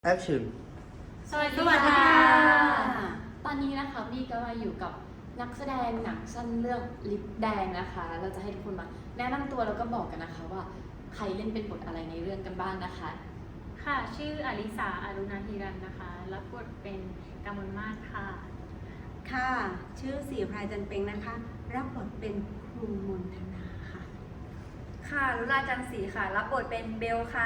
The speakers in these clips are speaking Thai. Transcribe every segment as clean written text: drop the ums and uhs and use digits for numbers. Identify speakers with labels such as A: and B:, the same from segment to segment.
A: Action
B: สวัสดีค่ะ ตอนนี้นะคะพี่ก็มาอยู่กับนักแสดงหนังสั้นเรื่องลิปแดงนะคะ เราจะให้ทุกคนมาแนะนำตัวแล้วก็บอกกันนะคะว่าใครเล่นเป็นบทอะไรในเรื่องกันบ้างนะคะ
C: ค่ะชื่ออลิสาอรุณาธิรันนะคะรับบทเป็นกมลมาศค่ะ
D: ค่ะชื่อสีพรายจันเป็งนะคะรับบทเป็นครูมนธนาค่ะ
E: ค่ะลุลาจันทร์ศรีค่ะ รับบทเป็นเบลค่ะ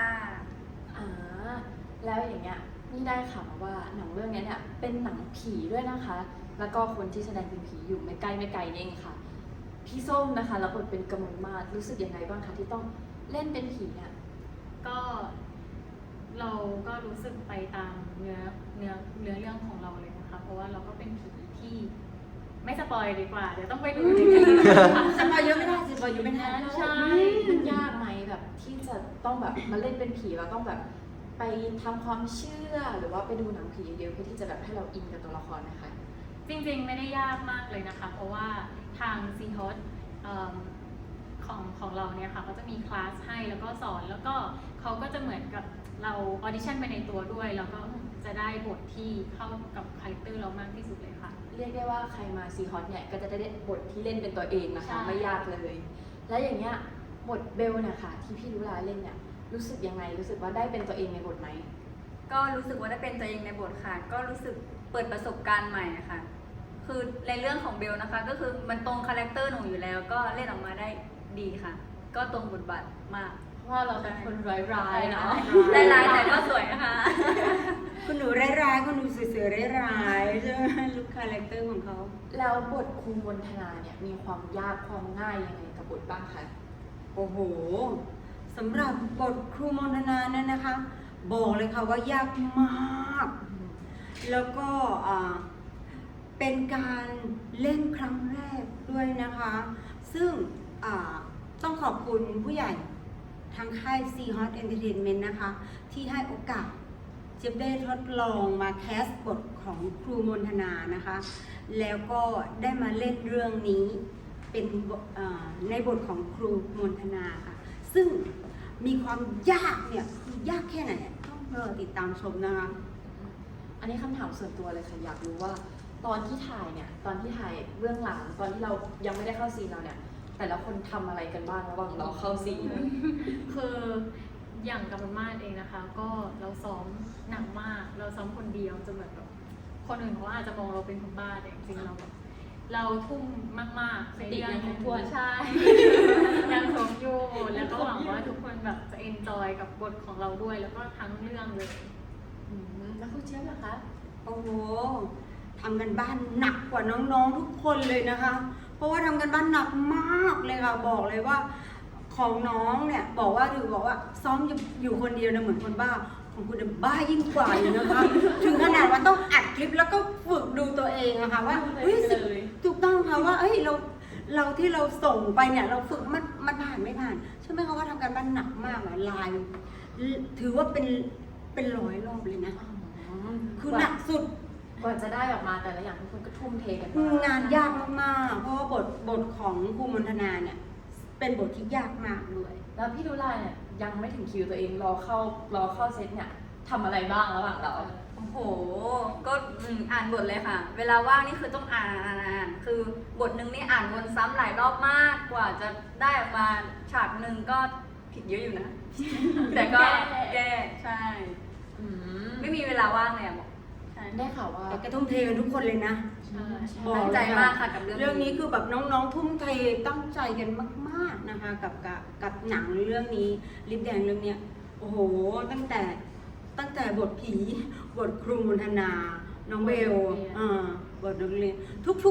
B: แล้วอย่างเงี้ยนี่ได้ข่าวมาว่าหนังเรื่องนี้เนี่ยเป็นหนังผีด้วยนะคะ แล้วก็คนที่แสดงเป็นผีอยู่ไม่ไกลนี่เองค่ะ พี่ส้มนะคะรับบทเป็นกมลมาศรู้สึกยังไงบ้างคะที่ต้องเล่นเป็นผีเนี่ย
C: ก็เราก็รู้สึกไปตามเนื้อเรื่องของเราเลยนะคะ เพราะว่าเราก็เป็นผีที่ไม่สปอยดีกว่า เดี๋ยวต้องไปดูจริงๆ
D: สปอยเยอะไม่ได้สปอยเยอะไม่ได้
C: ใช่
B: มันยากไหมแบบที่จะต้องแบบมาเล่นเป็นผีแล้วต้องแบบไปทำความเชื่อหรือว่าไปดูหนังผีเยอะๆเพื่อที่จะแบบให้เราอินกับตัวละครนะคะ
C: จริงๆไม่ได้ยากมากเลยนะคะ เพราะว่าทางซีฮอตของเราเนี่ยค่ะเขาจะมีคลาสให้แล้วก็สอนแล้วก็เขาก็จะเหมือนกับเราออดิชั่นไปในตัวด้วยแล้วก็จะได้บทที่เข้ากับคาแรคเตอร์เรามากที่สุดเลยค่ะ
B: เรียกได้ว่าใครมาซีฮอตเนี่ยก็จะได้บทที่เล่นเป็นตัวเองนะคะ
C: ใช่
B: ไม่ยากเลย แล้วอย่างเงี้ยบทเบลเนี่ยค่ะที่พี่ลุลาเล่นเนี่ยรู้สึกยังไงรู้สึกว่าได้เป็นตัวเองในบทไหม
E: ก็รู้สึกว่าได้เป็นตัวเองในบทค่ะ ก็รู้สึกเปิดประสบการณ์ใหม่อะค่ะ คือในเรื่องของเบลนะคะ ก็คือมันตรงคาแรคเตอร์หนูอยู่แล้ว ก็เล่นออกมาได้ดีค่ะ ก็ตรงบทบาทมาก
B: เพราะว่าเราเป็นคนร้ายๆเนาะ
E: ได้ร้ายแต่ก็สวยนะคะ
D: คุณหนูร้ายๆคุณหนูสวยๆร้ายๆใช่ไหมลุคคาแรคเตอร์ของเขา
B: แล้วบทครูมนธนาเนี่ยมีความยากความง่ายยังไงกับบทบ้างคะ
D: โอ้โหสำหรับบทครูมนธนาเนี่ยนะคะ บอกเลยค่ะว่ายากมาก แล้วก็เป็นการเล่นครั้งแรกด้วยนะคะ ซึ่งต้องขอบคุณผู้ใหญ่ทางค่าย C Hot Entertainment นะคะ ที่ให้โอกาสเจี๊ยบได้ทดลองมาแคสบทของครูมนธนานะคะ แล้วก็ได้มาเล่นเรื่องนี้เป็นในบทของครูมนธนาค่ะ ซึ่งมีความยากเนี่ยคือยากแค่ไหนต้องรอติดตามชมนะคะ
B: อันนี้คำถามส่วนตัวเลยค่ะอยากรู้ว่าตอนที่ถ่ายเนี่ยตอนที่ถ่ายเบื้องหลังตอนที่เรายังไม่ได้เข้าซีนเราเนี่ยแต่ละคนทำอะไรกันบ้างระหว่างเราเข้าซีน
C: คืออย่างกมลมาศเองนะคะ ก็เราซ้อมหนักมาก เราซ้อมคนเดียวจนเหมือนแบบคนอื่นเขาอาจจะมองเราเป็นคนบ้าแต่จริงๆเราแบบเราทุ่มมากๆในเรื่อง
B: สติยังครบถ้วน
C: ใช่ ยังครบอยู่แล้วก็หวังว่าทุกคนแบบจะเอนจอยกับบทของเราด้วย แล้วก็ทั้งเรื่องเลย
B: แล้วคุณเจี๊ยบล่ะคะ
D: โอ้โหทำกันบ้านหนักกว่าน้องๆทุกคนเลยนะคะ เพราะว่าทำกันบ้านหนักมากเลยค่ะ บอกเลยว่าของน้องเนี่ยบอกว่าซ้อมอยู่คนเดียวนะเหมือนคนบ้า ของคุณบ้ายิ่งกว่าอยู่นะคะ ถึงขนาดว่าต้องอัดคลิปแล้วก็ฝึกดูตัวเองอะค่ะว่าเฮ้ยถูกต้องค่ะว่าเอ้ยเราที่เราส่งไปเนี่ยเราฝึกมันผ่านไม่ผ่านใช่ไหมคะว่าทำกันบ้านหนักมากอะลายถือว่าเป็นร้อยรอบเลยนะ คือหนักสุด
B: กว่าจะได้ออกมาแต่ละอย่างทุกคนก็ทุ่มเทกันมาก
D: งานยากมากๆ เพราะว่าบทของครูมนธนาเนี่ยเป็นบทที่ยากมากด้วย
B: แล้วพี่ลุลาเนี่ยยังไม่ถึงคิวตัวเองรอเข้าเซตเนี่ยทำอะไรบ้างระหว่างเรา
E: โอ้โห ก็อ่านบทเลยค่ะ เวลาว่างนี่คือต้องอ่าน คือบทหนึ่งนี่อ่านวนซ้ำหลายรอบมากกว่าจะได้ออกมาฉากหนึ่งก็ผิดเยอะอยู่นะ แต่ก็แก้ใช่ ไม่มีเวลาว่างเลยอะบอกใช่
B: ได้ข่าวว่า
D: แต่ก็ทุ่มเทกันทุกคนเลยนะ
C: ใช่
D: บอก
E: ตั้งใจมากค่ะกับเรื่องนี้
D: เรื่องนี้คือแบบน้องๆ ทุ่มเทตั้งใจกันมากๆนะคะกับหนังเรื่องนี้ลิปแดงเรื่องเนี้ยโอ้โหตั้งแต่บทผีบทครูมนธนา น้องเบลบทนักเรียนทุก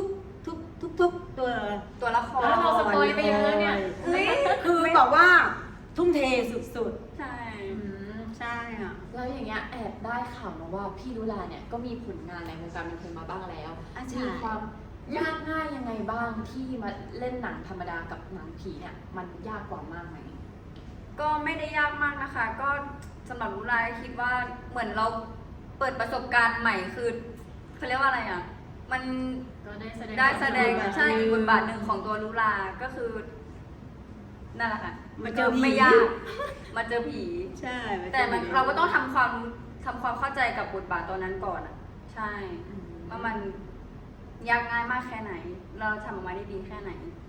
D: ตัว
E: ตัวละคร
C: แล้วเราสปอยไปเยอะแล้วเนี่ย
E: เฮ้ย
D: คือบอกว่าทุ่มเทสุด
E: ใช่
D: ๆ ใช่ค่ะ
B: แล้วอย่างเงี้ยแอบได้ข่าวมาว่าพี่ลุลาเนี่ยก็มีผลงานในวงการบันเทิงมาบ้างแล้ว
D: ใช่
B: มีความยากง่ายยังไงบ้างที่มาเล่นหนังธรรมดากับหนังผีเนี่ยมันยากกว่ามากไหม
E: ก็ไม่ได้ยากมากนะคะ ก็สำหรับลุลาคิดว่าเหมือนเราเปิดประสบการณ์ใหม่คือเขาเรียกว่าอะไรอ่ะ มัน
C: ก็ได้แสดง
E: ใช่อีกบทบาทหนึ่งของตัวลุลาก็คือนั่นแหละค่ะ
D: มาเจอผี
E: ไม่ยากมาเจอผี
D: ใช่
E: แต่เราก็ต้องทำความทำความเข้าใจกับบทบาทตัวนั้นก่อนอะใช่ว่ามันยากง่ายมากแค่ไหน เราทำออกมาได้ดีแค่ไหน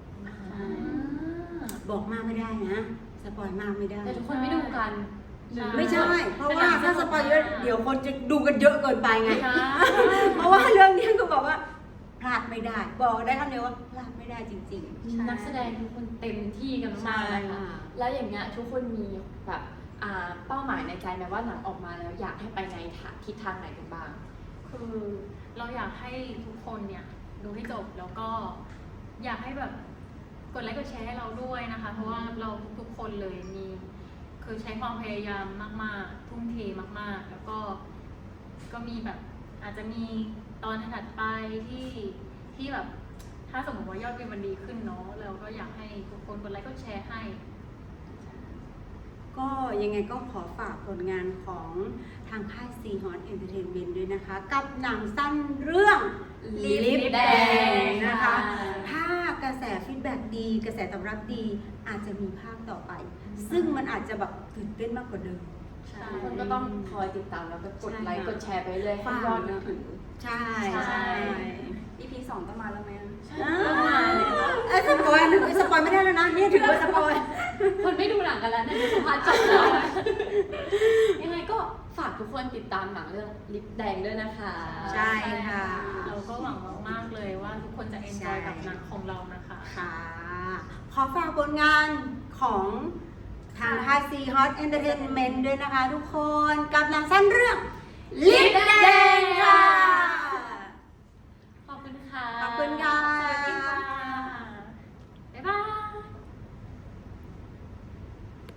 D: บอกมากไม่ได้นะ สปอยมากไม่ได้
B: แต่ทุกคนไม่ดูกัน
D: ไม่ใช่ เพราะว่าถ้าสปอยเยอะเดี๋ยวคนจะดูกันเยอะเกินไปไง
B: ค่ะ
D: เพราะว่าเรื่องนี้ก็บอกว่าพลาดไม่ได้ บอกได้คำเดียวว่าพลาดไม่ได้จริง
B: นักแสดงทุกคนเต็มที่กันมากเลยค่ะ
D: ใช่
B: แล้วอย่างเงี้ยทุกคนมีแบบเป้าหมายในใจไหมว่าหนังออกมาแล้วอยากให้ไปในทิศทางไหนกันบ้าง
C: คือเราอยากให้ทุกคนเนี่ยดูให้จบแล้วก็อยากให้แบบกดไลค์กดแชร์ให้เราด้วยนะคะ เพราะว่าเราทุกๆคนเลยมีคือใช้ความพยายามมากๆ ทุ่มเทมากๆ แล้วก็มีแบบอาจจะมีตอนถัดไปที่แบบถ้าสมมติว่ายอดวิวมันดีขึ้นเนาะเราก็อยากให้ทุกคนกดไลค์กดแชร์ให้
D: ๆ ก็ยังไงก็ขอฝากผลงานของทางค่าย C Hot Entertainment ด้วยนะคะ กับหนังสั้นเรื่องลิปแดงนะคะ ถ้ากระแสฟีดแบ็กดี กระแสตอบรับดี อาจจะมีภาคต่อไป ซึ่งมันอาจจะแบบตื่นเต้นมากกว่าเดิม
E: ใช่
B: ทุกคนก็ต้องคอยติดตามแล้วก็กดไลค์กดแชร์ไปเรื่อยให้ยอดมันถึง
D: ใช่
B: ใช่
E: EP 2ต้องมาแล้วไหมอะ
D: สปอยไม่ได้แล้วนะนี่ถือว่าสปอย
B: คนไม่ดูหนังกันแล้วเนี่ยดูสัมภาษณ์จบแล้วยังไงก็ฝากทุกคนติดตามหนังเรื่องลิปแดงด้วยนะคะ
D: ใช่ค่ะ
C: เราก็หวังมากๆเลยว่าทุกคนจะเอนจอยกับหนังของเรานะคะ
D: ค่ะ ขอฝากผลงานของทางค่าย C Hot Entertainment ด้วยนะคะทุกคน กับหนังสั้นเรื่องลิปแดงค่ะ